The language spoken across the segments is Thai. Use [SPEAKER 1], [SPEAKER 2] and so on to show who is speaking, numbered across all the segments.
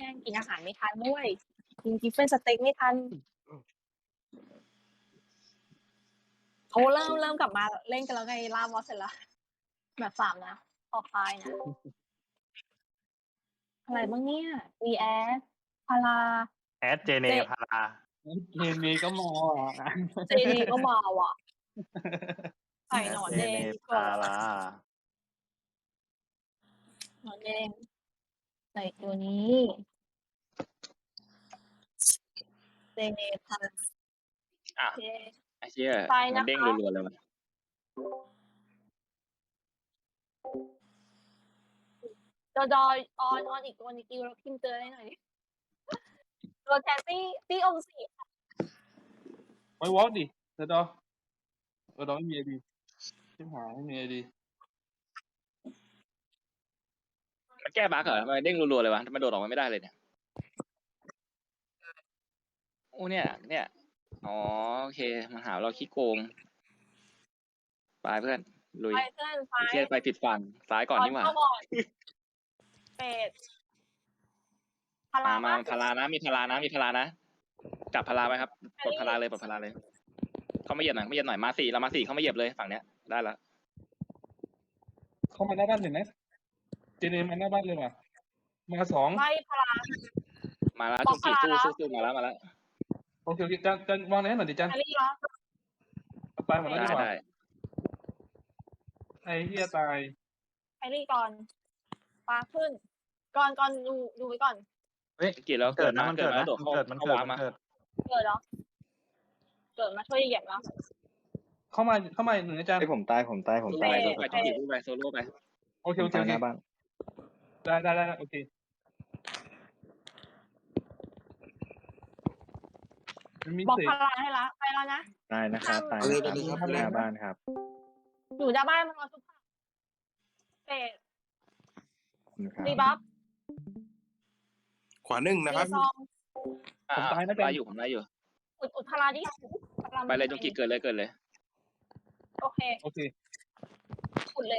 [SPEAKER 1] ย่งกินอาหารไม่ทันด้วยกินกิฟเฟนสเต็กไม่ทันเขาเริ่มกลับมาเล่นกันแล้วไงล่ามอสเสร็จแล้วแบบ3นะต่อไปนะอะไรบ้างเนี่ย VS พารา
[SPEAKER 2] แอดเจเนพารา
[SPEAKER 3] เกมนี้ก็มาอ่ะ
[SPEAKER 1] เจเนก็มาว่ะใส่หนอน
[SPEAKER 2] เจ
[SPEAKER 1] แด
[SPEAKER 2] เน
[SPEAKER 1] งดีก
[SPEAKER 2] พา
[SPEAKER 1] ว่า
[SPEAKER 2] รา
[SPEAKER 1] หนอนแดงใส่ตัวนี้เจเนพารา
[SPEAKER 4] อ่ะ
[SPEAKER 1] โอเค
[SPEAKER 4] ไอ้เชี่ย
[SPEAKER 1] ไป
[SPEAKER 4] มั
[SPEAKER 1] นะ
[SPEAKER 4] นเด้ง
[SPEAKER 1] คะ
[SPEAKER 4] รัวๆเลยว่ะ
[SPEAKER 1] จอออนอีกตัวนึงแล้วพิมพ์เจอให้หน่อยดิตัวแทนตี้องค์สี
[SPEAKER 3] ไว้วอล์กดิเดี๋ยวดอไม่มีไอดีชิบหายไม่มีไอดี
[SPEAKER 4] มันแก้บั๊กเหรอทำไมเด้งรัวๆเลยวะทำไมโดดออกมาไม่ได้เลยเนี่ยโอ้เนี่ยอ๋อโอเคมันหาเราขี้โกงไปเพื่อนลุย
[SPEAKER 1] ไปเพื่อนไฟ
[SPEAKER 4] ไอ้เชี่ยไปผิดฝั่งซ้ายก่อนนี่หว่า
[SPEAKER 1] เข้าก่อนเป็ดพารา
[SPEAKER 4] มา
[SPEAKER 1] ปะ
[SPEAKER 4] พารานะมีพารานะจับพาราไว้ครับปลดพาราเลยเขาไม่เหยียบหน่อยมาสี่เขาไม่เหยียบเลยฝั่งเนี้ยได้ละ
[SPEAKER 3] เข้ามาหน้าบ้านเห็นไหมเจเนมาหน้าบ้านเลยว่ะมาสอง
[SPEAKER 1] ไล่พารา
[SPEAKER 4] มาแล้ว
[SPEAKER 1] บอก
[SPEAKER 4] จุกจิ
[SPEAKER 1] พารา
[SPEAKER 4] สู้มาแล้ว
[SPEAKER 3] โอเคจันวางไหนหน่อยดิจัน
[SPEAKER 1] แครี่แล้ว
[SPEAKER 3] ตายหมดแล้วดีกว่า
[SPEAKER 4] ได้
[SPEAKER 3] ไอ้เหี้ยตาย
[SPEAKER 1] แครี่ก่อนปลาขึ้นก่อนดูไว้ก่อน
[SPEAKER 2] เฮ้ย
[SPEAKER 4] เกิดแล้ว
[SPEAKER 2] เกิดนะ
[SPEAKER 4] มา
[SPEAKER 2] มันเกิด
[SPEAKER 4] แล้ว
[SPEAKER 2] นะ
[SPEAKER 4] โดด
[SPEAKER 2] มัน
[SPEAKER 4] เข้า
[SPEAKER 2] เกิดมัน
[SPEAKER 4] เข้า
[SPEAKER 2] เกิด
[SPEAKER 4] วา
[SPEAKER 2] มั
[SPEAKER 4] ม
[SPEAKER 2] น
[SPEAKER 4] มา
[SPEAKER 2] เกิด
[SPEAKER 1] เกิดแล้วเกิดมาช่วยเหยียบแล้ว
[SPEAKER 3] เข้ามาหนึ่งอาจารย์
[SPEAKER 5] ไอ้ผมตาย
[SPEAKER 4] โซโล่ไป
[SPEAKER 3] โอเค
[SPEAKER 5] ตายหน้าบ้าน
[SPEAKER 3] ได้โอเคมันมี
[SPEAKER 1] บอก
[SPEAKER 3] เศษ
[SPEAKER 1] พาราให้ละไปแล้วนะ
[SPEAKER 5] ตายนะครับตายนะครับหน้าบ้านครับ
[SPEAKER 1] อยู่หน้าบ้านมันรอทุกคนเป็ด
[SPEAKER 5] นะครับ
[SPEAKER 1] รีบัฟ
[SPEAKER 6] ขวาหนึ่งนะครับ
[SPEAKER 1] รีซอง
[SPEAKER 3] ผมตายนะจัน
[SPEAKER 4] ผมได้อยู่
[SPEAKER 1] อุดพาราดิพารา
[SPEAKER 4] ไปเลยจงกีเกิดเลย
[SPEAKER 1] โอเค
[SPEAKER 3] โอเค
[SPEAKER 1] อุดเลย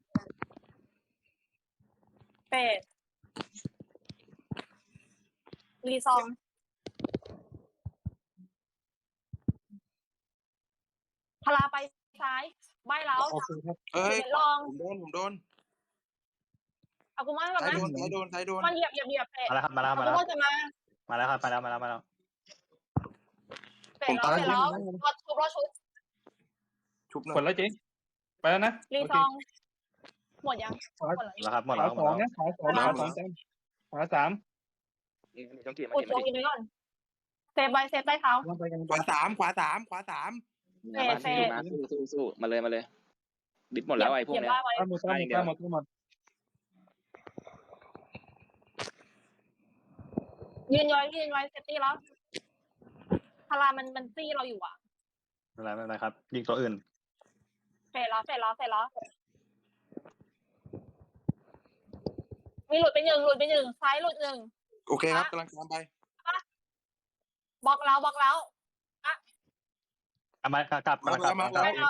[SPEAKER 1] เป็ดรีซองพาราไปซ้ายใบแล้ว
[SPEAKER 3] โอเคครับ
[SPEAKER 6] เอ้ย
[SPEAKER 1] ลอง
[SPEAKER 6] ผมโดน
[SPEAKER 1] เอากูมาก่อน
[SPEAKER 6] ซ้าย
[SPEAKER 1] นะ
[SPEAKER 6] โดนซ้ายโดน
[SPEAKER 1] มันเหยียบเป็ด
[SPEAKER 2] มาแล้วครับมาแล้ว
[SPEAKER 1] เอา
[SPEAKER 2] มา
[SPEAKER 1] กู
[SPEAKER 2] แล้ว
[SPEAKER 1] มาจะมา
[SPEAKER 2] มาแล้วครับมาแล้ว
[SPEAKER 1] เป็ดแล้วรอชุบ
[SPEAKER 6] ชุบหน่
[SPEAKER 3] ก
[SPEAKER 6] อ
[SPEAKER 3] ด
[SPEAKER 6] ย
[SPEAKER 3] แล้วเจ๊ไปแล้วนะ
[SPEAKER 1] รี
[SPEAKER 3] โอ
[SPEAKER 1] ซ
[SPEAKER 3] เค
[SPEAKER 1] องหมดยัง
[SPEAKER 3] ขวา
[SPEAKER 1] หมดแล้ว
[SPEAKER 2] แล้วครับหมด
[SPEAKER 3] ข
[SPEAKER 2] แล้ว
[SPEAKER 3] วาสองนะขวาสองจันขวาสาม
[SPEAKER 4] จงกีมา
[SPEAKER 1] อุด
[SPEAKER 4] ดิ
[SPEAKER 1] ตัวกินไปก่อนเซฟใต้เท้า
[SPEAKER 3] ลงไปกัน
[SPEAKER 6] ขวาสาม
[SPEAKER 4] มาสู้มาเลยดิบหมดแล้วไอ้พวกเนี้ย
[SPEAKER 3] ตามหมด
[SPEAKER 1] ยืนไว้เซฟตี้แล้วพารามันซี่เราอยู่อ่ะ
[SPEAKER 2] ไม่เป็นไรครับ ยิงตัวอื่น
[SPEAKER 1] เสร็จแล้วมีหลุดไปหนึ่งซ้ายหลุดหนึ่ง
[SPEAKER 6] โอเคครับกำลังตามไป
[SPEAKER 1] บล็อกแล้ว
[SPEAKER 2] กลับ
[SPEAKER 1] ไม่แล้ว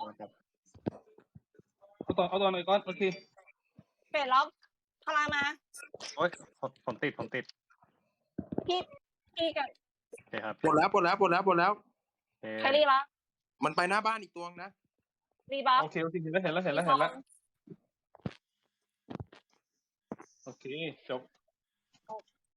[SPEAKER 3] เอาต่อหน่อยก่อนโอเค
[SPEAKER 1] เสร็จแล้วพารามา
[SPEAKER 2] โอ้ยผมติด
[SPEAKER 1] พี่กับ
[SPEAKER 2] โอเคครับ
[SPEAKER 6] ปลดแล้ว
[SPEAKER 2] โอเค
[SPEAKER 1] แครี่ละ
[SPEAKER 6] มันไปหน้าบ้านอีกตัวนะ
[SPEAKER 1] รีบัฟ
[SPEAKER 3] โอเคเห็นแล้วโอเคจบ